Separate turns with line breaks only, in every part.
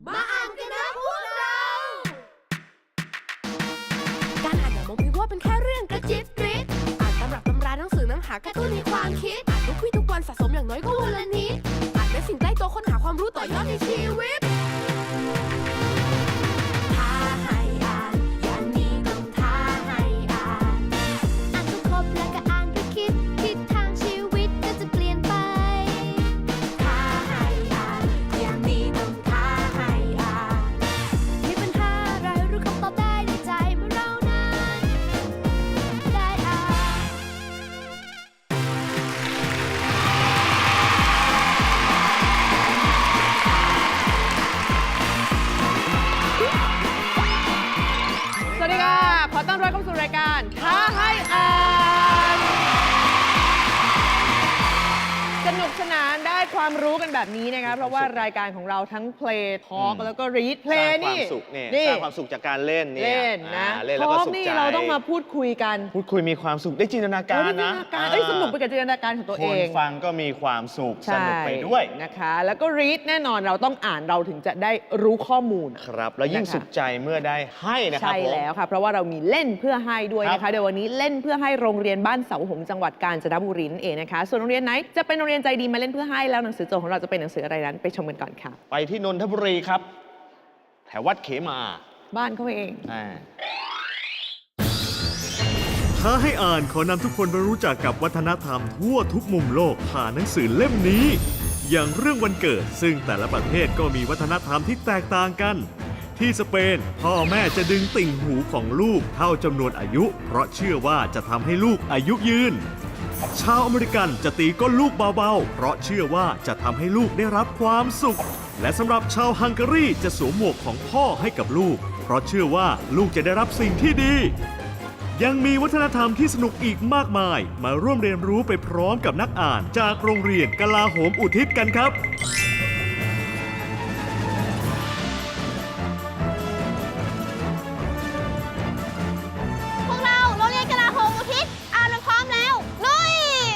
มาอ่านกันนะพวกเรา การอ่านอย่ามองเพียงว่าเป็นแค่เรื่องกระจิบกริบอ่านตำรับตำราหนังสือหนังหากระตุ้นในความคิดอ่านทุกวี่ทุกวันสะสมอย่างน้อยก็วันละนิดอ่านเป็นสิ่งใกล้ตัวค้นหาความรู้ต่อยอดในชีวิตท้าให้อ่านอย่างนี้ต้องท้าให้อ่านอ่านก็ครบแล้วก็อ่านก็คิดทิศทางชีวิตก็จะเปลี่ยนไปท้าให้อ่านอย่างนี้ต้องท้าให้อ่านมีปัญหาอะไรรู้คำตอบได้ในใจเมื่อเรานั้นได้อ่าน
สวัสดีค่ะ ขอต้อนรับเข้าสู่รายการท้าให้อ่าน สนุกสนานได้ความรู้กันแบบนี้นะคะ เพราะว่ารายการของเราทั้งเพลย์ทอล์กแล้วก็รีดเพลย์นี่
สร้างความสุขเนี่ยสร้างความสุขจากการเล่นเนี่ย
เล่นนะ
เล่นแล้ว
ท
ก็
อล์ก
สุข
นี่
ใจ
เราต้องมาพูดคุยกัน
พูดคุยมีความสุขได้จินตนาการนะ
สนุกไปกับจินตนาการของตัว
ค
เอน ง
ฟังก็มีความสุขสนุกไปด้วย
นะคะ แล้วก็รีดแน่นอนเราต้องอ่านเราถึงจะได้รู้ข้อมูล
ครับ แล้วยิ่ง
นะคะ
สุขใจเมื่อได้ให้นะครับ
ใช่
ผม
แล้วค่ะ เพราะว่าเรามีเล่นเพื่อให้ด้วยนะ
ครั
คะ
บ
เดี๋ยววันนี้เล่นเพื่อให้โรงเรียนบ้านเสาหงส์จังหวัดกาญจนบุรีนั่นเองนะคะ ส่วนโรงเรียนไหนจะเป็นโรงเรียนใจดีมาเล่นเพื่อให้แล้วหนังสือโจทย์ของเราจะเป็นหนังสืออะไรนั้นไปชมกันก่อนค่ะ
ไปที่นนทบุรีครับ แถววัดเขมา
บ้านเขาเอง
อ่า
ท้าให้อ่านขอนำทุกคนไปรู้จักกับวัฒนธรรมทั่วทุกมุมโลกผ่านหนังสือเล่มนี้ อย่างเรื่องวันเกิดซึ่งแต่ละประเทศก็มีวัฒนธรรมที่แตกต่างกัน ที่สเปนพ่อแม่จะดึงติ่งหูของลูกเท่าจำนวนอายุ เพราะเชื่อว่าจะทำให้ลูกอายุยืน ชาวอเมริกันจะตีก้นลูกเบาๆ เพราะเชื่อว่าจะทำให้ลูกได้รับความสุข และสำหรับชาวฮังการีจะสวมหมวกของพ่อให้กับลูก เพราะเชื่อว่าลูกจะได้รับสิ่งที่ดี ยังมีวัฒนธรรมที่สนุกอีกมากมาย มาร่วมเรียนรู้ไปพร้อมกับนักอ่านจากโรงเรียนกลาโหมอุทิศกันครับ
พวกเราโรงเรียนกลาโหมอุทิศอ่านพร้อมแล้ว ลุย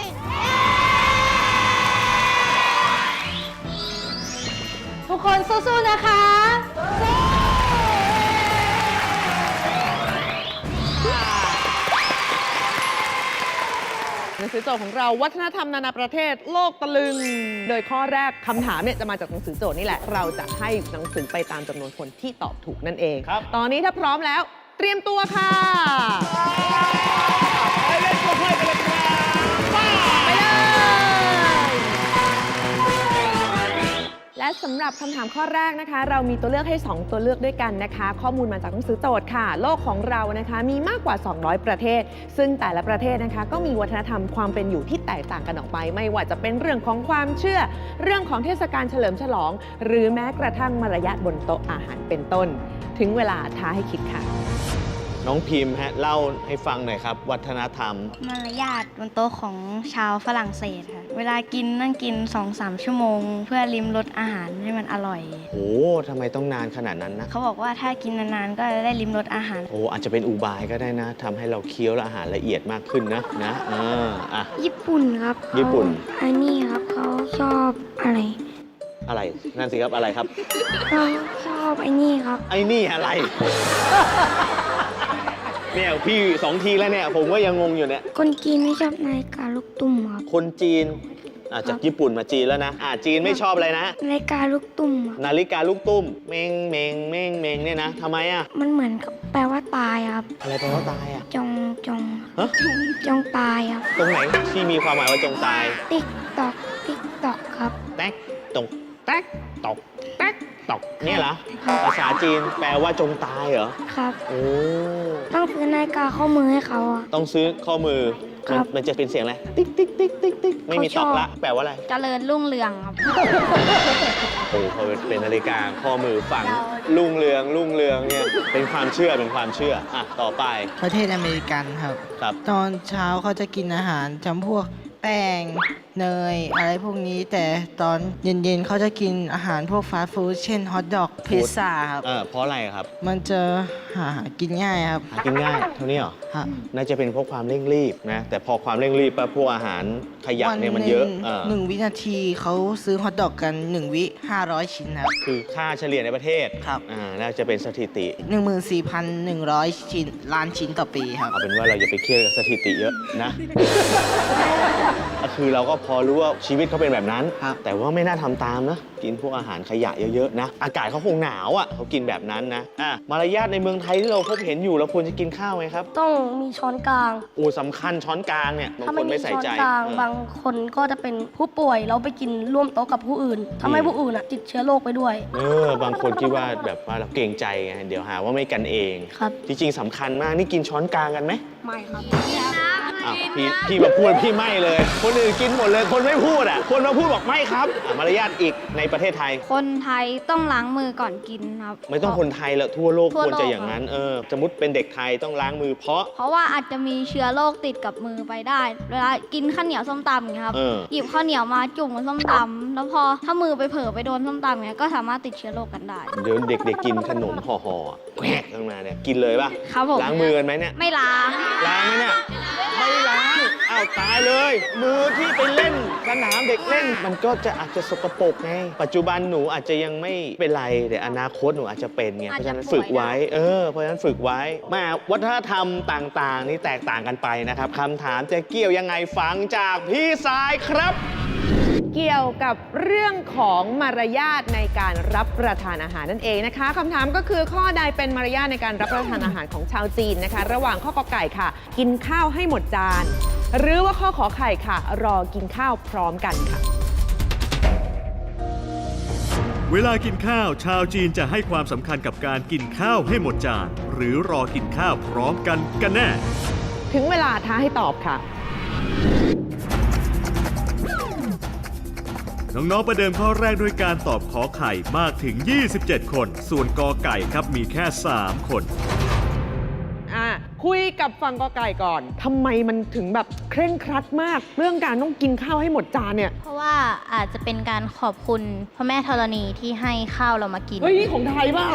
ทุกคนสู้ๆนะคะ
หนังสือโจทย์ของเราวัฒนธรรมนานาประเทศโลกตะลึง โดยข้อแรกคำถามเนี่ยจะมาจากหนังสือโจทย์นี่แหละ เราจะให้หนังสือไปตามจำนวนคนที่ตอบถูกนั่นเอง
ครับ
ตอนนี้ถ้าพร้อมแล้ว เตรียมตัวค่ะ
ไปเล่นตัวเพื่อนไปเลยครับ
ไปเลย และสำหรับคำถามข้อแรกนะคะ เรามีตัวเลือกให้ 2 ตัวเลือกด้วยกันนะคะ ข้อมูลมาจากหนังสือโจทย์ค่ะ โลกของเรานะคะมีมากกว่า 200 ประเทศ ซึ่งแต่ละประเทศนะคะก็มีวัฒนธรรมความเป็นอยู่ที่แตกต่างกันออกไป ไม่ว่าจะเป็นเรื่องของความเชื่อ เรื่องของเทศกาลเฉลิมฉลอง หรือแม้กระทั่งมารยาทบนโต๊ะอาหารเป็นต้น ถึงเวลาท้าให้คิดค่ะ
น้องพิมพ์ฮะเล่าให้ฟังหน่อยครับ วัฒนธรรม
มารยาทบนโต๊ะของชาวฝรั่งเศสค่ะ เวลากินนั่งกิน 2-3 ชั่วโมง เพื่อลิ้มรสอาหารให้มันอร่อย
โอ้ทำไมต้องนานขนาดนั้นนะ
เขาบอกว่าถ้ากินนานๆ ก็จะได้ลิ้มรสอาหาร
โอ้อาจจะเป็นอุบายก็ได้นะทำให้เราเคี้ยวและอาหารละเอียดมากขึ้นนะอ่ะ
ญี่ปุ่นครับ
ญี่ปุ่น
อันนี้ครับเขาชอบอะไร
อะไรนั่นสิครับอะไรครับ
เขาชอบไอ้นี่ครับ
ไอ้นี่อะไร เนี่ยพี่2 ทีแล้วเนี่ยผมก็ยังงงอยู่เนี่ย
คนจีนไม่ชอบนาฬิกาลูกตุ้มครับ
คนจีนจากญี่ปุ่นมาจีนแล้วนะจีนไม่ชอบอะไรนะ
นาฬิกาลูกตุ้มครับ
นาฬิกาลูกตุ้มเมงเมงเมงเมงเนี่ยนะทำไมอ่ะ
มันเหมือนกับแปลว่าตายครับ
อะไรแปลว่าตายอ่ะ
จง
ฮะ
จงตายครับ
ตรงไหนที่มีความหมายว่าจงตาย
ติ๊กตอกติ๊กตอกครับ
แต๊กตกแต๊กตกแต๊กตกเนี่ยเหรอภาษาจีนแปลว่าจงตายเหรอ
ครับ
โอ้
ต้องซื้อนาฬิกาข้อมือให้เขาอะ
ต้องซื้อข้อมือ
ครับ
มันจะเป็นเสียงอะไรติ๊กติ๊กติ๊กติ๊กติ๊กไม่มีตอกละแปลว่าอะไร
เจริญรุ่งเรืองครับ
โอ้พอเป็นนาฬิกาข้อมือฝังรุ่งเรืองเนี่ยเป็นความเชื่อต่อไป
ประเทศอเมริกันครับ
ครับ
ตอนเช้าเขาจะกินอาหารจำพวกแแป้งเนยอะไรพวกนี้ แต่ตอนเย็นๆเขาจะกินอาหารพวกฟาสต์ฟู้ดเช่นฮอทดอกพิซซ่าครับ
เพราะอะไรครับ
มันจะหากินง่ายครับ
หากินง่ายเท่านี้เหรอ
ครับ
น่าจะเป็นเพราะความเร่งรีบนะ แต่พอความเร่งรีบปั๊บพวกอาหารขยะเนี่ยมันเยอะ
หนึ่งวินาทีเขาซื้อฮอทดอกกัน 1 วิ 500 ชิ้นครับ
คือค่าเฉลี่ยในประเทศ
ครับ
น่าจะเป็นสถิติ
14,100 ชิ้นล้านชิ้นต่อปีครับ
เอาเป็นว่าเราอย่าไปเครียดกับสถิติเยอะนะ ก็คือเราก็พอรู้ว่าชีวิตเขาเป็นแบบนั้น
ครับ
แต่ว่าไม่น่าทำตามนะ กินพวกอาหารขยะเยอะๆนะ อากาศเขาคงหนาวอ่ะเขากินแบบนั้นนะมารยาทในเมืองไทยที่เราพบเห็นอยู่เราควรจะกินข้าวไหมครับ
ต้องมีช้อนกลาง
โอ้สำคัญช้อนกลางเนี่ยบาง
ถ้า
ค
ไม่
น
มี
ไม่ใส่
ช้อน
ใจ
กลาง
เออ
บางคนก็จะเป็นผู้ป่วยแล้วไปกินร่วมโต๊ะกับผู้อื่นทำให้ผู้อื่นติดเชื้อโรคไปด้วย
บางคนคิดว่าแบบว่าเราเกรงใจไงเดี๋ยวหาว่าไม่กันเอง
ครับ
จริงๆสำคัญมากนี่กินช้อนกลางกันไหม
ไม่ครับ
อ้าวพี่มาพูดพี่ไม่เลย คนอื่นกินหมดเลยคนไม่พูดคนมาพูดบอกไม่ครับมารยาทอีกในประเทศไทย
คนไทยต้องล้างมือก่อนกินครับ
ไม่ต้องคนไทยแล้วทั่วโลก
ทั่
คว วร
โลก
จะอย่างนั้นสมมติเป็นเด็กไทยต้องล้างมือเพราะ
เพราะว่าอาจจะมีเชื้อโรคติดกับมือไปได้ เวลากินข้าวเหนียวส้มตำอย่างเงี้ยครับ หยิบข้าวเหนียวมาจุ่มบนส้มตำแล้วพอถ้ามือไปเผลอไปโดนส้มตำอย่างเงี้ยก็สามารถติดเชื้อโรคกันได้
เดี๋ยวเด็กๆกินขนมห่อๆแหวกขึ้นมาเนี่ยกินเลยป่ะ
ครับผม
ล้างมือกันไหมเนี่ย
ไม่ล้าง
ล้างไหมเนี่ยไม่ล้างอ้าวตายเลย มือที่ไปเล่นสนามเด็กเล่น มันก็จะอาจจะสกปรกไงปัจจุบันหนูอาจจะยังไม่เป็นไรแต่อนาคตหนูอาจจะเป็นไงเพราะฉะนั้นฝึกไว้เพราะฉะนั้นฝึกไว้มาวัฒนธรรมต่างๆ นี่แตกต่างกันไปนะครับคำถามจะเกี่ยวยังไงฟังจากพี่สายครับ
เกี่ยวกับเรื่องของมารยาทในการรับประทานอาหารนั่นเองนะคะคำถามก็คือข้อใดเป็นมารยาทในการรับประทานอาหารของชาวจีนนะคะ ระหว่างข้อกอไก่ค่ะ กินข้าวให้หมดจาน หรือว่าข้อขอไข่ค่ะ รอกินข้าวพร้อมกันค่ะ
เวลากินข้าวชาวจีนจะให้ความสำคัญกับการกินข้าวให้หมดจาน หรือรอกินข้าวพร้อมกันกันแน่
ถึงเวลาท้าให้ตอบค่ะ
น้องๆประเดิมข้อแรกด้วยการตอบขอไข่มากถึง 27 คน ส่วนกอไก่ครับมีแค่ 3 คน
คุยกับฝั่งกอไก่ก่อนทำไมมันถึงแบบเคร่งครัดมาก เรื่องการต้องกินข้าวให้หมดจานเนี่ย
เพราะว่าอาจจะเป็นการขอบคุณพระแม่ธรณีที่ให้ข้าวเรามากิน
เฮ้ยนี่ของไทยเปล่า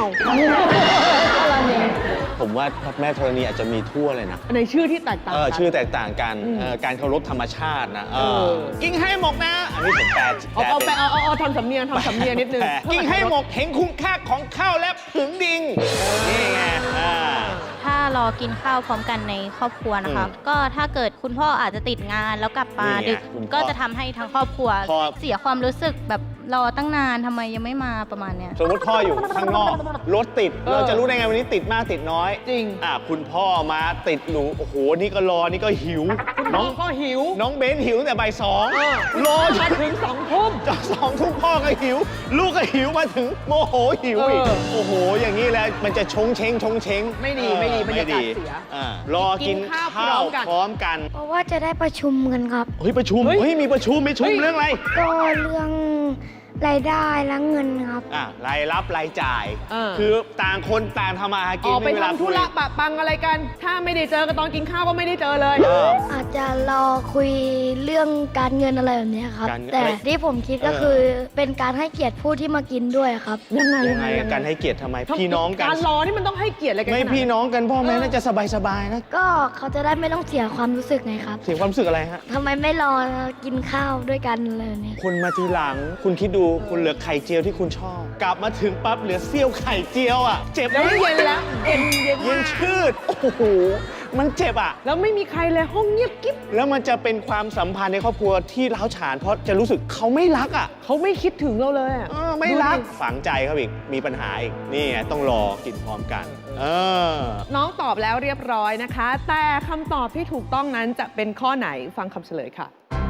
ผมว่าพระแม่ธรณีอาจจะมีทั่วเลยนะ
ในชื่อที่แตกต่างกัน
ชื่อแตกต่างกันการเคารพธรรมชาตินะกินให้หมกนะ อันนี้ผมแปล
เอาทำสำเนียงนิดนึง
กินให้หมกเห็นคุณค่าของข้าวและผึงดิงนี่ไง
ถ้ารอกินข้าวพร้อมกันในครอบครัวนะคะ ก็ถ้าเกิดคุณพ่ออาจจะติดงานแล้วกลับมาดึก ก็จะทำให้ทั้งครอบครัวเสียความรู้สึกแบบรอตั้งนานทำไมยังไม่มาประมาณเนี้ย
สมมติพ่ออยู่ข้างนอกรถติดเราจะรู้ได้ไงวันนี้ติดมากติดน้อย
จริง
คุณพ่อมาติดหนูโอ้โหนี่ก็รอนี่ก็หิว
น้องก็หิว
น้องเบนหิวตั้งแต่บ่ายสองรอ
มาถึง2 ทุ่ม
จาก2 ทุ่มพ่อก็หิว ลูกก็หิวมาถึงโมโหหิวอีกโอ้โหอย่างนี้แล้วมันจะชงเช้ง
ไม่ดีบรรยากาศเสีย
รอกินข้าวพร้อมกัน
เพราะว่าจะได้ประชุมกันครับ
เฮ้ยประชุมมีประชุมเรื่องอะไร
ก็เรื่องรายได้และเงินครับ
รายรับรายจ่าย
อ
คือต่างคนต่างทำมาหา
อ
กิน
อกไป
ม่มีเวลา
ทำธุระปะปังอะไรกัน ถ้าไม่ได้เจอกันตอนกินข้าวก็ไม่ได้เจอเลย
อาจจะรอคุยเรื่องการเงินอะไรแบบเนี้ยครับ
การเงิน
แต่ที่ผมคิดก็คือเป็นการให้เกียรติผู้ที่มากินด้วยครับ
ยังไง
ยังไงการให้เกียรติทำไมพี่น้องกัน
การรอนี่มันต้องให้เกียรติอะไรกัน
ไม่
ขนาดนั้น
พี่น้องกันพ่อแม่น่าจะสบายๆนะ
ก็เขาจะได้ไม่ต้องเสียความรู้สึกไงครับ
เสียความรู้สึกอะไรฮะ
ทำไมไม่รอกินข้าวด้วยกันอะไรแบบเนี้ย
คุณมาทีหลังคุณคิดดูคุณเหลือไข่เจียวที่คุณชอบ กลับมาถึงปั๊บเหลือเสี้ยวไข่เจียวเจ็บ
แล้วเย็นแล้วเย็น
เย็นชืดโอ้โหมันเจ็บ
แล้วไม่มีใครเลยห้องเงียบกิ๊บ
แล้วมันจะเป็นความสัมพันธ์ในครอบครัวที่ร้าวฉานเพราะจะรู้สึกเขาไม่รัก
เขาไม่คิดถึงเราเลย
ไม่รักฝังใจเขาอีกมีปัญหาอีกนี่ไงต้องรอกินพร้อมกัน
น้องตอบแล้วเรียบร้อยนะคะ แต่คำตอบที่ถูกต้องนั้นจะเป็นข้อไหนฟังคำเฉลยค่ะ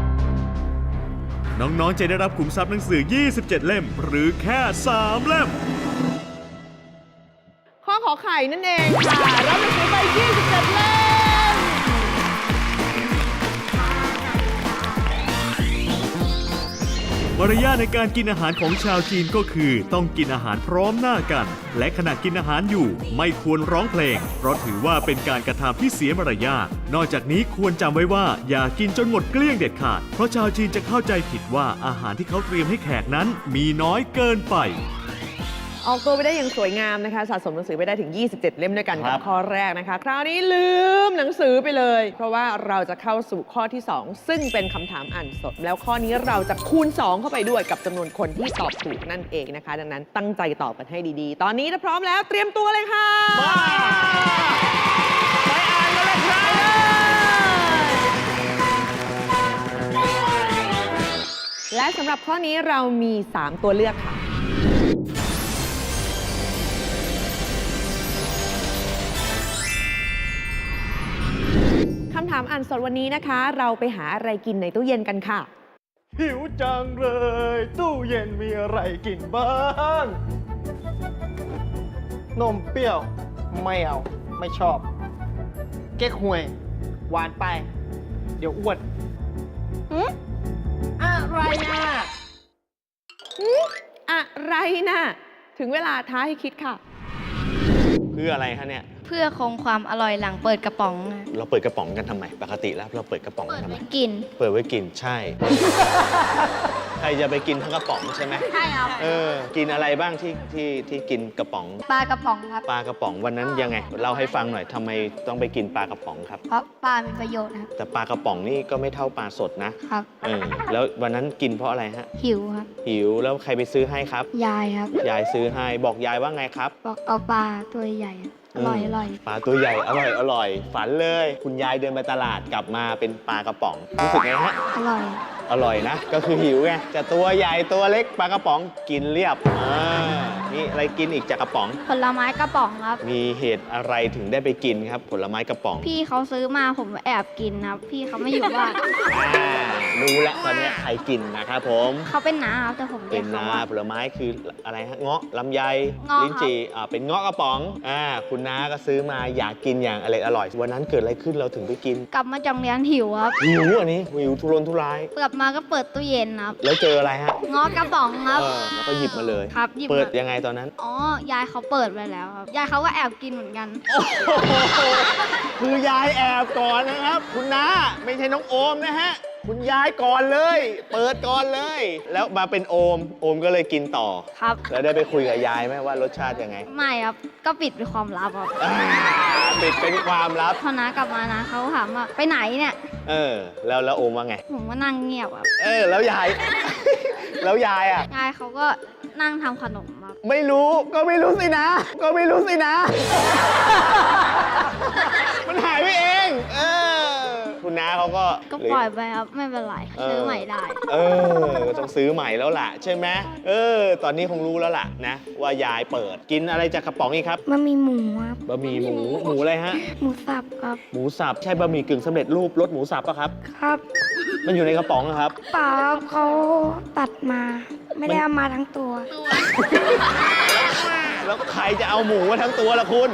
น้องๆจะได้รับขุมทรัพย์หนังสือ 27 เล่ม หรือแค่ 3 เล่ม
ข้อขอไข่นั่นเองค่ะรับหนังสือไป 27 เล่ม
มมารยาทในการกินอาหารของชาวจีนก็คือต้องกินอาหารพร้อมหน้ากัน และขณะกินอาหารอยู่ไม่ควรร้องเพลง เพราะถือว่าเป็นการกระทำที่เสียมารยาท นอกจากนี้ควรจำไว้ว่าอย่ากินจนหมดเกลี้ยงเด็ดขาด เพราะชาวจีนจะเข้าใจผิดว่าอาหารที่เขาเตรียมให้แขกนั้นมีน้อยเกินไป
ออกตัวไปได้อย่างสวยงามนะคะสะสมหนังสือไปได้ถึง 27 เล่มด้วยกัน
ครั
กับบ ข้อแรกนะคะ คราวนี้ลืมหนังสือไปเลย เพราะว่าเราจะเข้าสู่ข้อที่ 2 ซึ่งเป็นคำถามอ่านสด แล้วข้อนี้เราจะคูณ 2 เข้าไปด้วยกับจำนวนคนที่ตอบถูกนั่นเองนะคะ ดังนั้นตั้งใจตอบกันให้ดีๆ ตอนนี้ถ้าพร้อมแล้วเตรียมตัวเลยค่ะ
มาไปอ่านกันเลยครับ
และสำหรับข้อนี้เรามี 3 ตัวเลือกค่ะ คำถามอ่านสดวันนี้นะคะ เราไปหาอะไรกินในตู้เย็นกันค่ะ
หิวจังเลย ตู้เย็นมีอะไรกินบ้าง
นมเปรี้ยว ไม่เอา ไม่ชอบ เก๊กฮวย หวานไป เดี๋ยวอ้วนอะไรนะ
อะไรนะ ถึงเวลาท้าให้คิดค่ะ
เพื่ออะไรคะเนี่ย
เพื่อคงความอร่อยหลังเปิดกระป๋องค่ะ
เราเปิดกระป๋องกันทำไม ปกติแล้วเราเปิดกระป๋องกันทำไม
กิน
เปิดไว้กินใช่ ใครจะไปกินทั้งกระป๋องใช่ไหม
ใช่ครับ
กินอะไรบ้างที่กินกระป๋อง
ปลากระป๋องครับ
ปลากระป๋องวันนั้นยังไงเล่าให้ฟังหน่อยทำไมต้องไปกินปลากระป๋องครับ
เพราะปลามีประโยชน์ครับ
แต่ปลากระป๋องนี่ก็ไม่เท่าปลาสดนะครับ แล้ววันนั้นกินเพราะอะไรฮะ
หิวครับ
หิวแล้วใครไปซื้อให้ครับ
ยายครับ
ยายซื้อให้บอกยายว่าไงครับ
บอกเอาปลาตัวใหญ่อะอร่อยอร่อย
ปลาตัวใหญ่อร่อยฝันเลย คุณยายเดินไปตลาดกลับมาเป็นปลากระป๋องรู้สึกไงฮะ
อร่อย
อร่อยนะ ก็คือหิวไงจะตัวใหญ่ตัวเล็กปลากระป๋องกินเรียบนี่อะไรกินอีกจากกระป๋อง
ผลไม้กระป๋องครับ
มีเหตุอะไรถึงได้ไปกินครับ ผลไม้กระป๋อง
พี่เขาซื้อมาผมแอบกินครับ พี่เขาไม่อยู่บ้าน
รู้แล้วตอนนี้ใครกินนะครับผม
เขาเป็นน้าครับแต่ผมเรี
เป็
ยก
น
เขา
นา
ว่า
ผลไม้คืออะไรฮะเงาะลำไย
เงาะ
ลิ้นจี่เป็นเงาะกระป๋องคุณน้าก็ซื้อมาอยากกินอย่างอร่อยวันนั้นเกิดอะไรขึ้นเราถึงไปกิน
กลับมาจากโรงเรียนหิวครับ
หิวอันนี้หิวทุรนทุราย
กลับมาก็เปิดตู้เย็นครับ
แล้วเจออะไรฮะ
งอกระป๋องครับ
แล้วก็หยิบมาเลย
ครับหยิบ
เปิด
มา
ยังไงตอนนั้น
อ๋อยายเขาเปิดไปแล้วครับ ยายเขาก็แอบกินเหมือนกัน
คือยายแอบก่อนนะครับ คุณน้าไม่ใช่น้องโอมนะฮะ คุณยายก่อนเลย เปิดก่อนเลย แล้วมาเป็นโอมก็เลยกินต่อ
ครับ
แล้วได้ไปคุยกับยายไหมว่ารสชาติยังไง
ไม่ครับ ก็ปิดเป็นความลับครับ
ปิดเป็นความลับ
พอน้ากลับมานะเขาถามว่าไปไหนเนี่ย
แล้วโอมว่าไง
ผมก็นั่งเงียบครับ
แล้วยาย แล้วยายอ่ะ
ยายเขาก็นั่งทำขนมครับ
ไม่รู้ก็ไม่รู้สินะ ก็ไม่รู้สินะ มันหายไปเอง คุณน้าเขาก็
ก็ปล่อยไปครับ ไม่เป็นไร ซื้อใหม่ได้
ก็ต้องซื้อใหม่แล้วล่ะ ใช่ไหมตอนนี้คงรู้แล้วล่ะนะว่ายายเปิดกินอะไรจากกระป๋องอีกครับ
มันมีหมูครับ
บะหมี่หมูอะไรฮะ
หมูสับครับ
หมูสับใช่บะหมี่กึ่งสำเร็จรูปรสหมูสับปะครับ
ครับ
มันอยู่ในกระป๋องนะครับ
เปล่าครับเขาตัดมา ไม่ได้เอามาทั้งตัว
แล้วใครจะเอาหมูมาทั้งตัวล่ะคุณ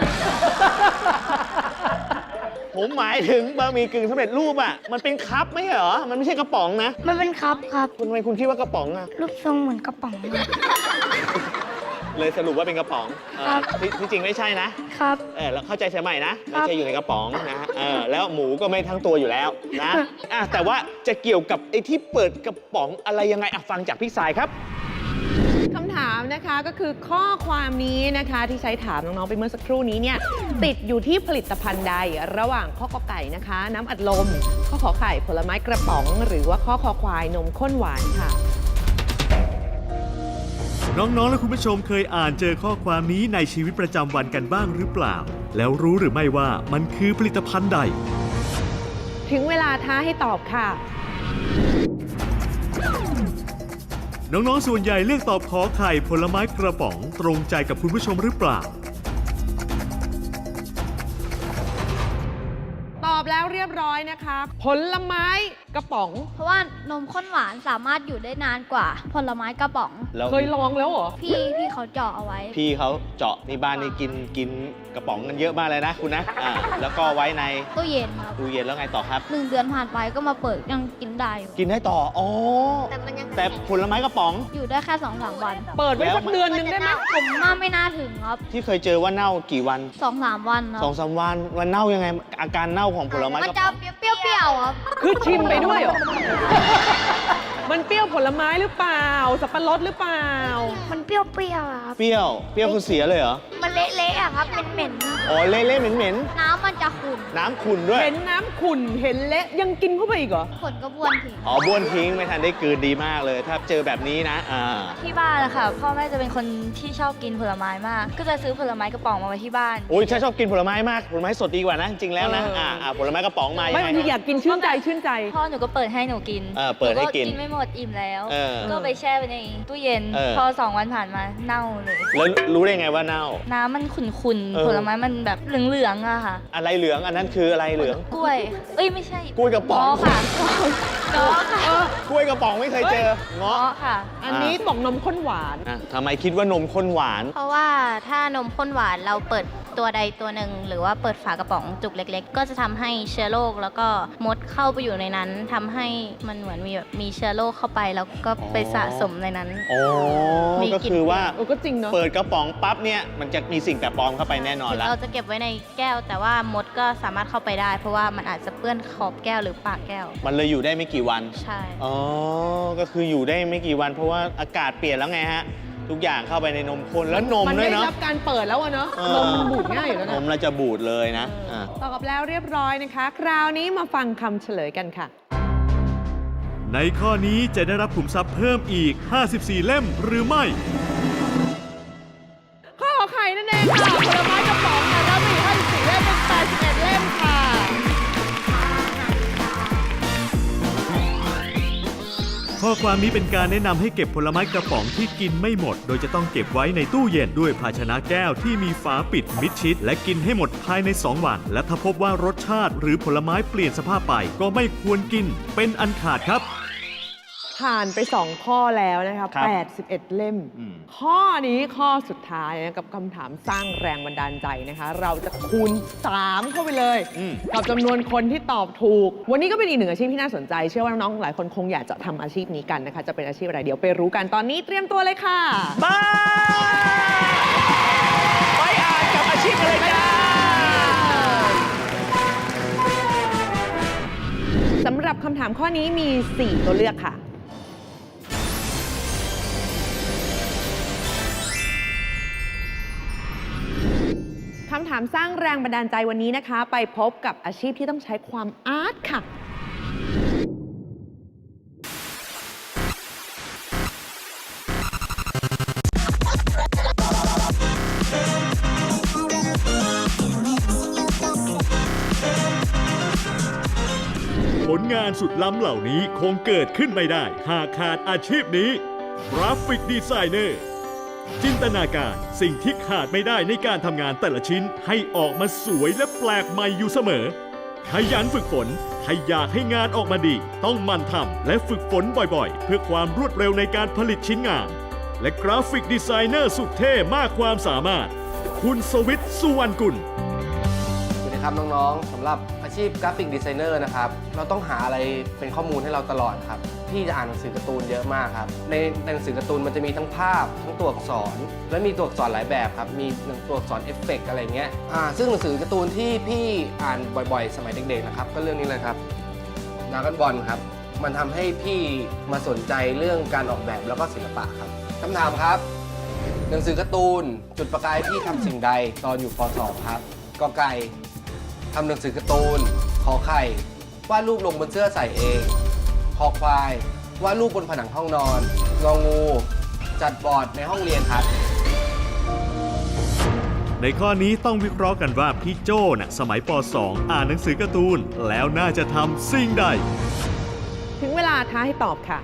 ผมหมายถึงบะหมี่กึ่งสำเร็จรูปอ่ะมันเป็นคัพไม่ใช่เหรอมันไม่ใช่กระป๋องนะ
มันเป็นครับครับ
ทำไมคุณคิดว่ากระป๋องอ่ะ
รูปทรงเหมือนกระป๋องครับ
เลยสรุปว่าเป็นกระป๋อง
ครับ
ที่จริงไม่ใช่นะครับ แล้วเข้าใจเสียใหม่นะ
ครั
ไม่
บ
ใช่อยู่ในกระป๋องนะแล้วหมูก็ไม่ทั้งตัวอยู่แล้วนะแต่ว่าจะเกี่ยวกับไอ้ที่เปิดกระป๋องอะไรยังไงฟังจากพี่สายครับ
คำถามนะคะก็คือข้อความนี้นะคะที่ใช้ถามน้องๆไปเมื่อสักครู่นี้เนี่ยติดอยู่ที่ผลิตภัณฑ์ใดระหว่างข้อกอไก่นะคะ น้ำอัดลม ข้อขอไข่ผลไม้กระป๋อง หรือว่าข้อคอควายนมข้นหวานค่ะ
น้องๆ และคุณผู้ชมเคยอ่านเจอข้อความนี้ในชีวิตประจำวันกันบ้างหรือเปล่า แล้วรู้หรือไม่ว่ามันคือผลิตภัณฑ์ใด
ถึงเวลาท้าให้ตอบค่ะ
น้องๆ ส่วนใหญ่เลือกตอบขอไข่ผลไม้กระป๋องตรงใจกับคุณผู้ชมหรือเปล่า
ตอบแล้วเรียบร้อยนะคะ ผลไม้กกระป๋อง
เพราะว่านมข้นหวานสามารถอยู่ได้นานกว่าผลไม้กระป๋อง
แล้ว
เคยลองแล้วเหรอ
พี่เขาเจาะเอาไว้
พี่เขาเจาะในบ้านนี่กินกระป๋องกันเยอะมากเลยนะคุณนะแล้วก็ไว้ใน
ตู้เย็นครับ
ตู้เย็นแล้วไงต่อครับ
1 เดือนผ่านไปก็มาเปิดยังกินได้อยู่
กินได้ต่ออ๋อแต่ผลไม้กระป๋อง
อยู่ได้แค่ 2-3 วัน
เปิดไว้สักเดือนนึงได้ไหม
ผมว่าไม่น่าถึงครับ
ที่เคยเจอว่าเน่ากี่วัน
2-3 วันครับ
2-3 วันเน่ายังไง อาการเน่าของผลไม้
มัน
กระ
จะ
ป๋อง
เปรี้ยวๆครับ
คือชิมไปด้วยเหรอ มันเปรี้ยวผลไม้หรือเปล่า สับปะรดหรือเปล่า
มันเปรี้ยวๆอะครับ
เปรี้ยวคือเสียเลยเหรอ
มันเละๆอะครับเหม็น
อ๋อเละๆเหม็น
ๆน้ำมันจะขุ่น
ๆน้ำขุ่นด้วย
เห็นน้ำขุ่น เห็นเละยังกินเข้าไปอีกเหรอ
ผลก็บ้วนทิ้ง
อ๋อบ้วนทิ้งไม่ทันได้กลืนดีมากเลย ถ้าเจอแบบนี้นะ
ที่บ้านนะคะพ่อแม่จะเป็นคนที่ชอบกินผลไม้มาก ก็จะซื้อผลไม้กระป๋องมาไว้ที่บ้าน
โอ้ยฉันชอบกินผลไม้มากผลไม้สดดีกว่านะจริงๆแล้วนะผลไม้กระป๋องมายัง
ไม่
ไง
บางทีอยากกินชื่นใจชื่นใจ
พ่อหนูก็เปิดให้หนูกิน
เปิดให้กิน
หก็กินไม่หมดอิ่มแล้ว
ก็
ก็ไปแช่ไว้ในตู้เย็น พอ 2 วันผ่านมาเน่าเลย
แล้วรู้ได้ไงว่าเน่า
น้ำมันขุ่นๆ ผลไม้มันแบบเหลืองๆอะค่ะ
อะไรเหลืองอันนั้นคืออะไรเหลือง
กล้วย เอ้ยไม่ใช่
กล้วยกระป๋อง
เงาะค่ะเงาะค่ะ
กล้วยกระป๋องไม่เคยเจอเงาะ
เงาะค่ะ
อันนี้ตกนมข้นหวาน
ทำไมคิดว่านมข้นหวาน
เพราะว่าถ้านมข้นหวานเราเปิดตัวใดตัวหนึ่งหรือว่าเปิดฝากระป๋องจุกเล็ก ๆ ก็จะทำให้เชื้อโรคแล้วก็มดเข้าไปอยู่ในนั้นทำให้มันเหมือนมีเชื้อโรคเข้าไปแล้วก็ไปสะสมในนั้น
อ๋อ
มีกลิ่น
ก็คือว่า
ก็จริงเนาะ
เปิดกระป๋องปั๊บเนี่ยมันจะมีสิ่งแปลกปลอมเข้าไปแน่นอนแล้ว
เราจะเก็บไว้ในแก้ว แต่ว่ามดก็สามารถเข้าไปได้ เพราะว่ามันอาจจะเปื้อนขอบแก้วหรือปากแก้ว
มันเลยอยู่ได้ไม่กี่วัน
ใช่
อ๋อ ก็คืออยู่ได้ไม่กี่วันเพราะว่าอากาศเปลี่ยนแล้วไงฮะ ทุกอย่างเข้าไปในนมข้นแล้วนม
มัน
ด้ว
ได้
ยเนาะ
รับการเปิดแล้วอะเนาะ
เออ
นมมันบูดง่ายอยู่แล้ว
น
นะ
มเราจะบูดเลยนะ
ตอบแล้วเรียบร้อยนะคะ คราวนี้มาฟังคำเฉลยกันค่ะ
ในข้อนี้จะได้รับขุมทรัพย์เพิ่มอีก 54 เล่มหรือไม่
ข้อไข่นั่นเองค่ะ ผลไม้กระป๋องค่ะรับไปอีก54เล่มเป็น81เล่มค่ะ
ข้อความนี้เป็นการแนะนำให้เก็บผลไม้กระป๋องที่กินไม่หมด โดยจะต้องเก็บไว้ในตู้เย็นด้วยภาชนะแก้วที่มีฝาปิดมิดชิด และกินให้หมดภายใน 2 วัน และถ้าพบว่ารสชาติหรือผลไม้เปลี่ยนสภาพไป ก็ไม่ควรกินเป็นอันขาดครับ
ผ่านไป 2 ข้อแล้วนะคะ
ครับ
81 เล่ม
อืม
ข้อนี้ข้อสุดท้ายนะกับคำถามสร้างแรงบันดาลใจนะคะ เราจะคูณ 3 เข้าไปเลย กับจำนวนคนที่ตอบถูก วันนี้ก็เป็นอีกหนึ่งอาชีพที่น่าสนใจ เชื่อว่าน้องๆหลายคนคงอยากจะทำอาชีพนี้กันนะคะ จะเป็นอาชีพอะไรเดี๋ยวไปรู้กันตอนนี้เตรียมตัวเลยค่ะ
บ้าไปอ่านกับอาชีพอะไรจ้า
สำหรับคำถามข้อนี้มี 4 ตัวเลือกค่ะ คำถามสร้างแรงบันดาลใจวันนี้นะคะ ไปพบกับอาชีพที่ต้องใช้ความอาร์ตค่ะ
ผลงานสุดล้ำเหล่านี้คงเกิดขึ้นไม่ได้ หากขาดอาชีพนี้กราฟิกดีไซเนอร์จินตนาการสิ่งที่ขาดไม่ได้ในการทำงานแต่ละชิ้นให้ออกมาสวยและแปลกใหม่อยู่เสมอ ขยันฝึกฝนถ้าอยากให้งานออกมาดี ต้องหมั่นทำและฝึกฝนบ่อยๆ เพื่อความรวดเร็วในการผลิตชิ้นงาน และกราฟิกดีไซเนอร์สุดเท่มากความสามารถ คุณสวิทย์สุวรรณกุล
สวัสดีครับน้องๆสำหรับอาชีพกราฟิกดีไซเนอร์นะครับเราต้องหาอะไรเป็นข้อมูลให้เราตลอดครับพี่จะอ่านหนังสือการ์ตูนเยอะมากครับในหนังสือการ์ตูนมันจะมีทั้งภาพทั้งตัวอักษรและมีตัวอักษรหลายแบบครับมีตัวอักษรเอฟเฟกต์อะไรเงี้ยซึ่งหนังสือการ์ตูนที่พี่อ่านบ่อยๆ สมัยเด็กๆนะครับก็เรื่องนี้เลยครับดราก้อนบอลครับมันทำให้พี่มาสนใจเรื่องการออกแบบแล้วก็ศิลปะครับคำถามครับหนังสือการ์ตูนจุดประกายพี่ทำสิ่งใดตอนอยู่ป .2 ครับกอไก่ทำหนังสือการ์ตูนขอไข่วาดรูปลงบนเสื้อใส่เองคอควายวาดรูปบนผนังห้องนอนงองูจัดบอร์ดในห้องเรียนครับ
ในข้อนี้ต้องวิเคราะห์กันว่าพี่โจ้น่ะสมัยป .2 อ่านหนังสือการ์ตูนแล้วน่าจะทำสิ่งใด
ถึงเวลาท้าให้ตอบค่ะ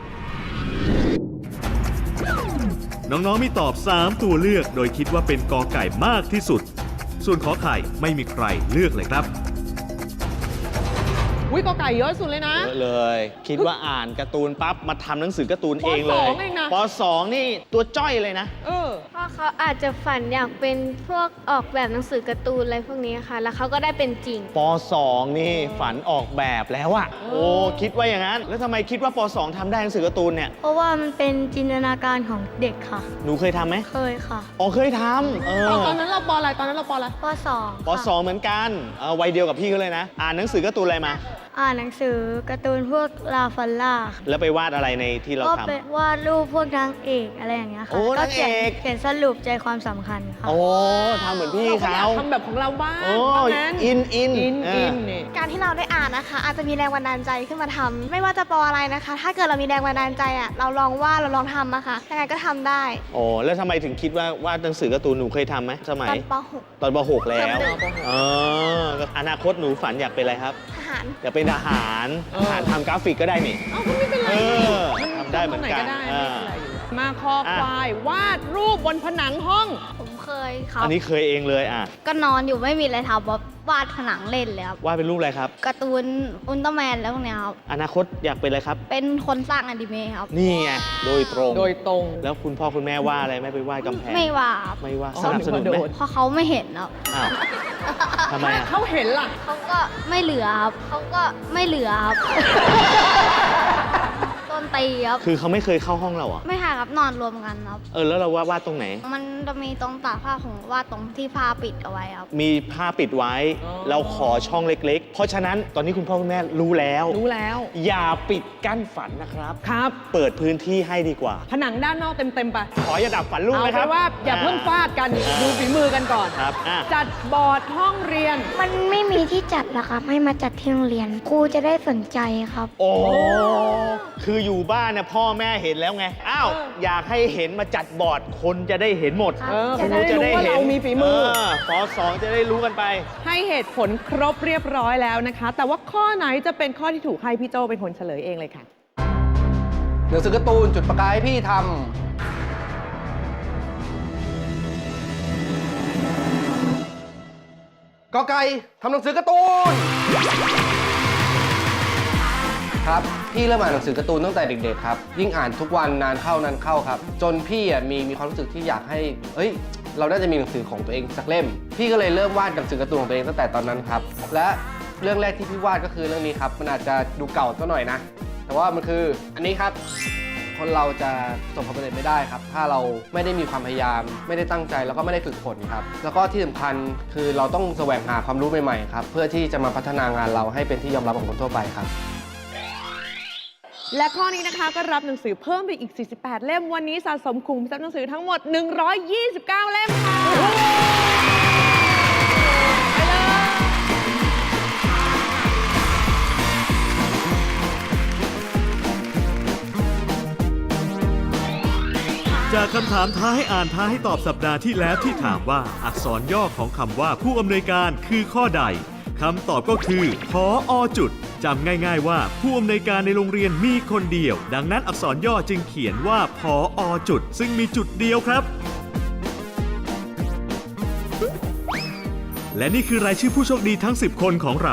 น้องๆมีตอบ 3 ตัวเลือกโดยคิดว่าเป็นกอไก่มากที่สุด ส่วนขอไข่ไม่มีใครเลือกเลยครับ
อุ้ยกอไก่เยอะสุดเลยนะ
เยอะเลย คิดว่าอ่านการ์ตูนปั๊บมาทำหนังสือการ์ตูนเองเลย
ป.2 เองนะ
ป .2 นี่ตัวจ้อยเลยนะ
เพราะเขาอาจจะฝันอยากเป็นพวกออกแบบหนังสือการ์ตูนอะไรพวกนี้ค่ะ แล้วเขาก็ได้เป็นจริง
ป .2 นี่ฝันออกแบบแล้วอะโอ้คิดว่าอย่างนั้น แล้วทำไมคิดว่าป .2 ทำได้หนังสือการ์ตูนเนี่ย
เพราะว่ามันเป็นจินตนาการของเด็กค่ะ
หนูเคยทำไหม
เคยค่ะ
อ๋อเคยทำ
ตอนนั้นเราปอะไรตอนนั้นเราปอะไร
ป .2
ป .2 เหมือนกันวัยเดียวกับพี่เขาเลยนะ อ่านหนังสือการ์ตูนอะไรมา
อ่านหนังสือการ์ตูนพวกลาฟันล่า
แล้วไปวาดอะไรในที่เรา
ก็
ทำ
เป็นวาดรูปพวกนางเอกอะไรอย่างเงี้ยค่ะ
โอ้
ก็เขียน
นางเอก
เขียนสรุปใจความสำคัญค่ะ
โอ้ทำเหมือนพี่
เราก็อยา
เขา
กทำแบบของเราบ้าง
โอ้
ว่างั้น
อิน
อิน
เออ
นี่
การที่เราได้อ่านนะคะ อาจจะมีแรงบันดาลใจขึ้นมาทำไม่ว่าจะปออะไรนะคะ ถ้าเกิดเรามีแรงบันดาลใจอ่ะเราลองวาดเราลองทำอะค่ะยังไงก็ทำได้
โอ้แล้วทำไมถึงคิดว่าวาดหนังสือการ์ตูนหนูเคยทำไหมสมัย
ตอนป
ตอนป .6 แล้ว
เทอมหนึ่ง
อนาคตหนูฝันอยากเป็นอะไรครับ
.6 ทหาร
อยากเป็นทหารทำกราฟิกก็ได้นี่
เอาก็ไม่เป็นไร
ทำได้เหมือนกัน
ทำตรงไหนก็ได้ไม่เป็นไรอยู่มาคอควายวาดรูปบนผนังห้อง
ผมเคยครับ
อันนี้เคยเองเลย
ก็นอนอยู่ไม่มีอะไรทำวาดผนังเล่นเลยครับ
วาดเป็นรูปอะไรครับ
การ์ตูนอุลตร้าแมนแล้วพวกเนี้ยครับ
อนาคตอยากเป็นอะไรครับ
เป็นคนสร้างอนิเมะครับ
นี่ไงโดยตรง
โดยตรง
แล้วคุณพ่อคุณแม่ว่าอะไรไม่ไปวาดกำแพง
ไม่ว่าครับ
ไม่ว่า
อ๋อ
สนับสนุนไหม
โดน
เพราะเขาไม่เห็นครับ
อ้าวทำไม
ถ้า
อะ
เขาเห็นล่ะ
เขาก็ไม่เหลือครับเขาก็ไม่เหลือครับโดนตีครับ
คือเขาไม่เคยเข้าห้องเราเหรอ่ะ
ไม่ค่ะครับนอนรวมกันครับ
แล้วเราวาดตรงไหน
มันจะมีตรงตากผ้าของวาดตรงที่ผ้าปิดเอาไว้ครับ
มีผ้าปิดไว้
อ๋อ
เราขอช่องเล็กๆ เพราะฉะนั้นตอนนี้คุณพ่อคุณแม่รู้แล้ว
รู้แล้ว
อย่าปิดกั้นฝันนะครับ
ครับ
เปิดพื้นที่ให้ดีกว่า
ผนังด้านนอกเต็มๆไป
ขออย่าดับฝันลูก
เอา
นะค
เป็
รับ
นว่าอย่าเพิ่งฟาดกัน ดูฝีมือกันก่อน
ครับ
จัดบอร์ดห้องเรียน
มันไม่มีที่จัดหรอครับให้มาจัดที่โรงเรียนครูจะได้สนใจครับ
โอ้คืออยู่บ้านเนี่ยพ่อแม่เห็นแล้วไง อ้าว อยากให้เห็นมาจัดบอร์ด คนจะได้เห็นหมด
ครับ
จะได้รู้ว่าเรามีฝีมือ
ป .2 จะได้รู้กันไป
ให้เหตุผลครบเรียบร้อยแล้วนะคะ แต่ว่าข้อไหนจะเป็นข้อที่ถูกให้พี่โจเป็นคนเฉลยเองเลยค่ะ
หนังสือการ์ตูนจุดประกายให้พี่ทำกอไก่ทำหนังสือการ์ตูนครับพี่เริ่มอ่านหนังสือการ์ตูนตั้งแต่เด็กๆครับยิ่งอ่านทุกวันนานเข้าครับจนพี่มีความรู้สึกที่อยากให้เราน่าจะมีหนังสือของตัวเองสักเล่มพี่ก็เลยเริ่มวาดหนังสือการ์ตูนของตัวเองตั้งแต่ตอนนั้นครับและเรื่องแรกที่พี่วาดก็คือเรื่องนี้ครับมันอาจจะดูเก่าสักหน่อยนะแต่ว่ามันคืออันนี้ครับคนเราจะประสบความสำเร็จไม่ได้ครับถ้าเราไม่ได้มีความพยายามไม่ได้ตั้งใจแล้วก็ไม่ได้ฝึกฝนครับแล้วก็ที่สำคัญคือเราต้องแสวงหาความรู้ใหม่ๆครับเพื่อที่จะมาพัฒนางานเราให้เป็นที่ยอมรับของคนทั่วไปครับ
และข้อนี้นะคะก็รับหนังสือเพิ่มไปอีก 48 เล่ม วันนี้สะสมคุมทรัพย์หนังสือทั้งหมด 129 เล่มค่ะไปเลย
จากคำถามท้าให้อ่านท้าให้ตอบสัปดาห์ที่แล้วที่ถามว่าอักษรย่อของคำว่าผู้อำนวยการคือข้อใดคำตอบก็คือผอ.จุดจำง่ายๆว่าผู้อำนวยการในโรงเรียนมีคนเดียว ดังนั้นอักษรย่อจึงเขียนว่าผอ.จุดซึ่งมีจุดเดียวครับ และนี่คือรายชื่อผู้โชคดีทั้ง 10 คนของเรา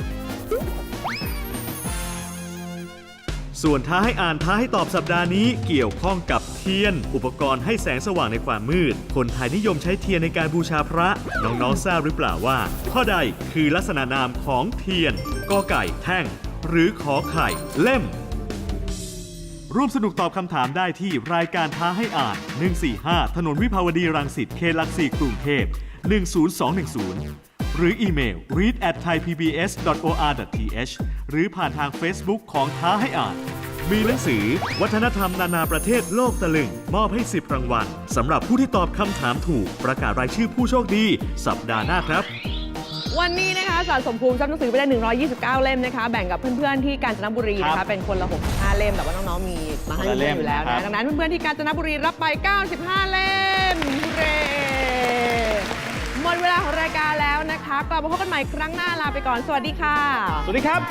ส่วนท้าให้อ่านท้าให้ตอบสัปดาห์นี้เกี่ยวข้องกับเทียน อุปกรณ์ให้แสงสว่างในความมืด คนไทยนิยมใช้เทียนในการบูชาพระ น้องๆทราบหรือเปล่าว่า ข้อใดคือลักษณะนามของเทียนกอไก่แท่ง หรือขอไข่เล่ม ร่วมสนุกตอบคำถามได้ที่รายการท้าให้อ่าน 145 ถนนวิภาวดีรังสิต เขตหลักสี่กรุงเทพ 10210 หรืออีเมล read@thaipbs.or.th หรือผ่านทาง Facebook ของท้าให้อ่าน มีหนังสือวัฒนธรรมนานาประเทศโลกตะลึงมอบให้ 10 รางวัลสำหรับผู้ที่ตอบคำถามถูกประกาศรายชื่อผู้โชคดีสัปดาห์หน้าครับ
วันนี้นะคะสะสมภูมิทรัพย์หนังสือไปได้ 129 เล่มนะคะ แบ่งกับเพื่อนๆที่กาญจนบุรีนะคะเป็นคนละ 65 เล่ม แต่ว่าน้องๆมีมาให้เล่มอยู่แล้วนะดังนั้นเพื่อนๆที่กาญจนบุรีรับไป 95 เล่มเย้หมดเวลาของรายการแล้วนะคะกลับมาพบกันใหม่ครั้งหน้าลาไปก่อนสวัสดีค่ะ
สวัสดีครับ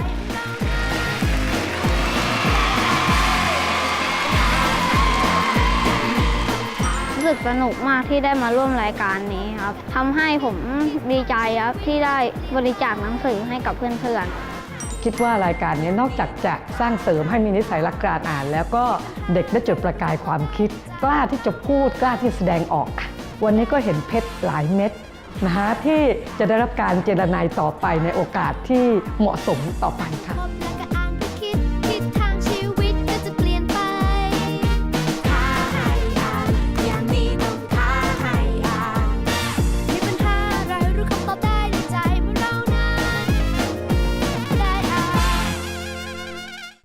รู้สึกสนุกมากที่ได้มาร่วมรายการนี้ครับทำให้ผมดีใจครับที่ได้บริจาคหนังสือให้กับเพื่อนๆ
คิดว่ารายการนี้นอกจากจะสร้างเสริมให้มีนิสัยรักการอ่าน แล้วก็เด็กได้จุดประกายความคิด กล้าที่จะพูดกล้าที่แสดงออกค่ะวันนี้ก็เห็นเพชรหลายเม็ดที่จะได้รับการเจรไนต่อไปในโอกาสที่เหมาะสมต่อไปค่ะ